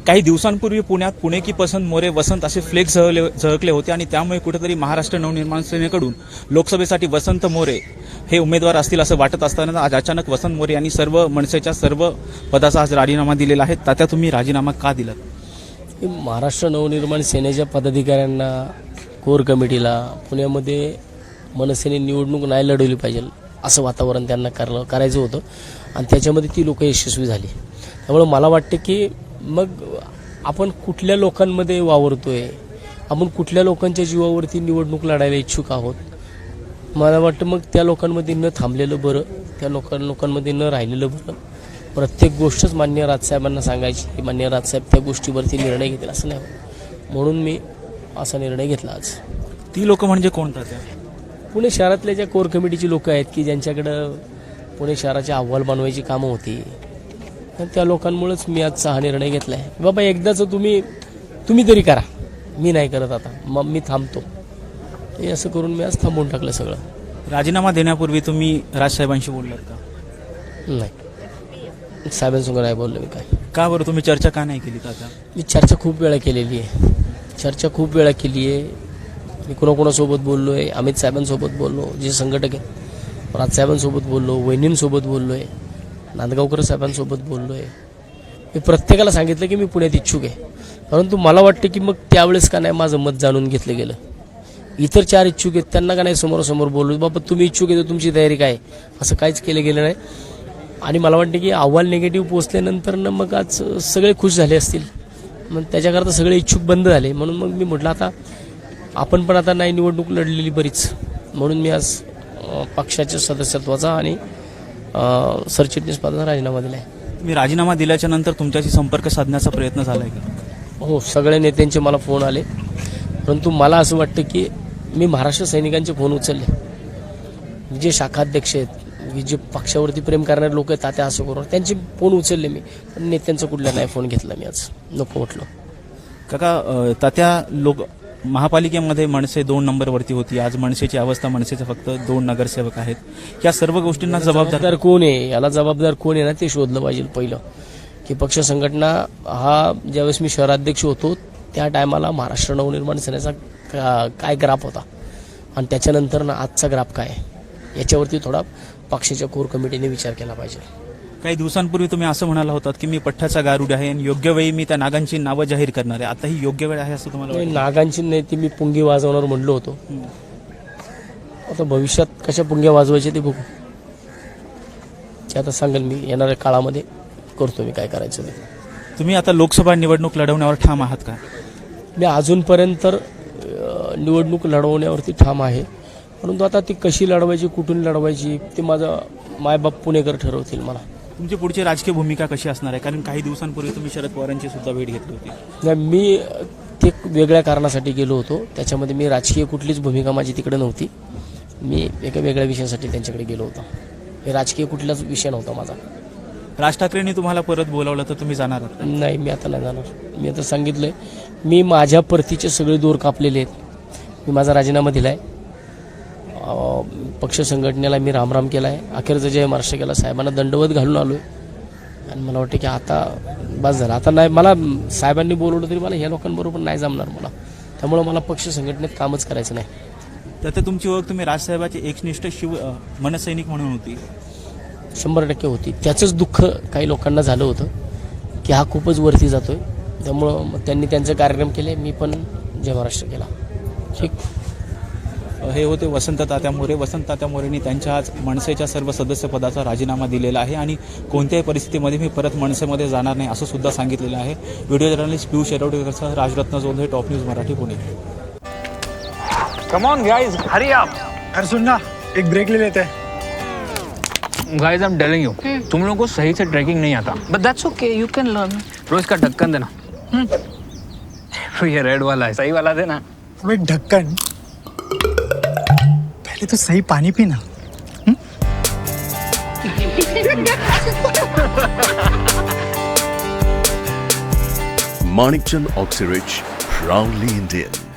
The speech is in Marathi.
काही दिवसांपूर्वी पुण्यात पुणे की पसंत मोरे वसंत असे फ्लेक्स झळकले होते आणि त्यामुळे कुठेतरी महाराष्ट्र नवनिर्माण सेनेकडून लोकसभेसाठी वसंत मोरे हे उमेदवार असतील असं वाटत असताना आज अचानक वसंत मोरे यांनी सर्व मनसेच्या सर्व पदाचा आज राजीनामा दिलेला आहे. तात्या, तुम्ही राजीनामा का दिलात? महाराष्ट्र नवनिर्माण सेनेच्या पदाधिकाऱ्यांना, कोर कमिटीला पुण्यामध्ये मनसेने निवडणूक नाही लढवली पाहिजे असं वातावरण त्यांना करायचं होतं आणि त्याच्यामध्ये ती लोक यशस्वी झाली. त्यामुळे मला वाटतं की मग आपण कुठल्या लोकांमध्ये वावरतोय, आपण कुठल्या लोकांच्या जीवावरती निवडणूक लढायला इच्छुक आहोत. मला वाटतं मग त्या लोकांमध्ये न थांबलेलं बरं, त्या लोकांमध्ये न राहिलेलं बरं. प्रत्येक गोष्टच माननीय राजसाहेबांना सांगायची की माननीय राजसाहेब त्या गोष्टीवरती निर्णय घेतील असं नाही, म्हणून मी असा निर्णय घेतला आज. ती लोक म्हणजे कोणता? त्या पुणे शहरातल्या ज्या कोर कमिटीची लोक आहेत की ज्यांच्याकडं पुणे शहराचे अहवाल बनवायची कामं होती, तर त्या लोकांमुळेच मी आजचा हा निर्णय घेतला आहे. बाबा एकदाच तुम्ही तरी करा, मी नाही करत आता, मग मी थांबतो. हे असं करून मी आज थांबवून टाकलं सगळं. राजीनामा देण्यापूर्वी तुम्ही राजसाहेबांशी बोललात का? नाही, साहेबांसंग नाही बोललो मी. काय का बरं तुम्ही चर्चा का नाही केली? तात्या, मी चर्चा खूप वेळा केलेली आहे, मी कोणाकोणासोबत बोललो आहे. अमित साहेबांसोबत बोललो, जे संघटक आहेत, राजसाहेबांसोबत बोललो, वहिनींसोबत बोललो आहे, नांदगावकर साहेबांसोबत बोललो आहे. मी प्रत्येकाला सांगितलं की मी पुण्यात इच्छुक आहे, परंतु मला वाटतं की मग त्यावेळेस का नाही माझं मत जाणून घेतलं गेलं. इतर 4 इच्छुक आहेत त्यांना का नाही समोरासमोर बोललो, बाबा तुम्ही इच्छुक आहे तर तुमची तयारी काय, असं काहीच केलं गेलं नाही. आणि मला वाटतं की अहवाल निगेटिव्ह पोचल्यानंतर मग आज सगळे खुश झाले असतील, मग त्याच्याकरता सगळे इच्छुक बंद झाले. म्हणून मग मी म्हटलं आता आपण पण आता नाही निवडणूक लढलेली बरीच, म्हणून मी आज पक्षाच्या सदस्यत्वाचा आणि सरचिटणीस पदाचा राजीनामा दिला आहे. तुम्ही राजीनामा दिल्याच्या नंतर तुमच्याशी संपर्क साधण्याचा प्रयत्न झाला आहे का? हो, सगळ्या नेत्यांचे मला फोन आले, परंतु मला असं वाटतं की मी महाराष्ट्र सैनिकांचे फोन उचलले. जे शाखाध्यक्ष आहेत, जे पक्षावरती प्रेम करणारे लोक आहेत, तात्या असं करून त्यांचे फोन उचलले मी, पण नेत्यांचा कुठला नाही फोन घेतला मी. आज नको म्हटलं. काका, तात्या, महापालिकेमध्ये मनसे 2 नंबरवरती होती. आज मनसेची अवस्था, मनसेचे फक्त 2 नगरसेवक आहेत. या सर्व गोष्टींना जबाबदार कोण आहे, याला जबाबदार कोण आहे ना ते शोधलं पाहिजे पहिलं. की पक्ष संघटना हा ज्यावेळेस मी शहराध्यक्ष होतो त्या टायमाला महाराष्ट्र नवनिर्माण सेनेचा काय ग्राफ होता आणि त्याच्यानंतर ना आजचा ग्राफ काय आहे, याच्यावरती थोडा पक्षाच्या कोर कमिटीने विचार केला पाहिजे. काही दिवसांपूर्वी तुम्ही असं म्हणाला होतात की मी पठ्ठाचा गारुड आहे आणि योग्य वेळी मी त्या नागांची नावं जाहीर करणार आहे. आता ही योग्य वेळ आहे असं तुम्हाला वाटतं? नागांची नाही, ती मी पुंगी वाजवणार म्हणलो होतो. आता भविष्यात कशा पुंग्या वाजवायचे ते बघू, ते आता सांगेल मी. येणाऱ्या काळामध्ये करतो मी काय करायचं ते. तुम्ही आता लोकसभा निवडणूक लढवण्यावर ठाम आहात का? मी अजूनपर्यंत निवडणूक लढवण्यावरती ठाम आहे, परंतु आता ती कशी लढवायची, कुठून लढवायची ते माझा मायबाप पुणेकर ठरवतील. मला तुमची पुढची राजकीय भूमिका कशी असणार आहे? कारण काही दिवसांपूर्वी तुम्ही शरद पवारांची सुद्धा भेट घेतली होती. नाही, मी ते वेगळ्या कारणासाठी गेलो होतो, त्याच्यामध्ये मी राजकीय कुठलीच भूमिका माझी तिकडे नव्हती. मी एका वेगळ्या विषयासाठी त्यांच्याकडे गेलो होतो. हे राजकीय कुठलाच विषय नव्हता माझा. राज ठाकरेंनी तुम्हाला परत बोलावलं तर तुम्ही जाणार आहात? नाही, मी आता नाही जाणार. मी आता सांगितलंय, मी माझ्या परतीचे सगळे दोर कापलेले आहेत. मी माझा राजीनामा दिला आहे, पक्ष संघटनेला मी रामराम केला आहे, अखेरचा जय महाराष्ट्र केला, साहेबांना दंडवत घालून आलो आहे. आणि मला वाटतं की आता बस झालं. आता नाही, मला साहेबांनी बोलवलं तरी मला ह्या लोकांबरोबर नाही जमणार मला. त्यामुळं मला पक्ष संघटनेत कामच करायचं नाही. तर तुमची ओळख तुम्ही राजसाहेबाचे एकनिष्ठ मनसैनिक म्हणून होती. 100% होती. त्याचंच दुःख काही लोकांना झालं होतं की हा खूपच वरती जातोय, त्यामुळं त्यांनी त्यांचे कार्यक्रम केले, मी पण जय महाराष्ट्र केला. ठीक. हे होते वसंत तात्या मोरे. वसंत तात्या मोरेंनी त्यांच्या आज मनसेच्या सर्व सदस्यपदाचा राजीनामा दिलेला आहे आणि कोणत्याही परिस्थितीमध्ये मी परत मनसेमध्ये जाणार नाही असं सुद्धा सांगितलेलं आहे. व्हिडिओ जर्नलिस्ट पियुष येरवडेकरसह Rajratna Jondhale, top news Marathi, Pune. Come on guys, hurry up. अरे सुन ना, एक ब्रेक ले लेते हैं. Guys, I am telling you, तुम लोगों को सही से ट्रैकिंग नहीं आता. But that's okay, you can learn. रोज का ढक्कन देना. ये रेड वाला है, सही वाला देना. अबे ढक्कन, पहले तो सही पानी पीना. Manikchand Oxyrich, proudly Indian.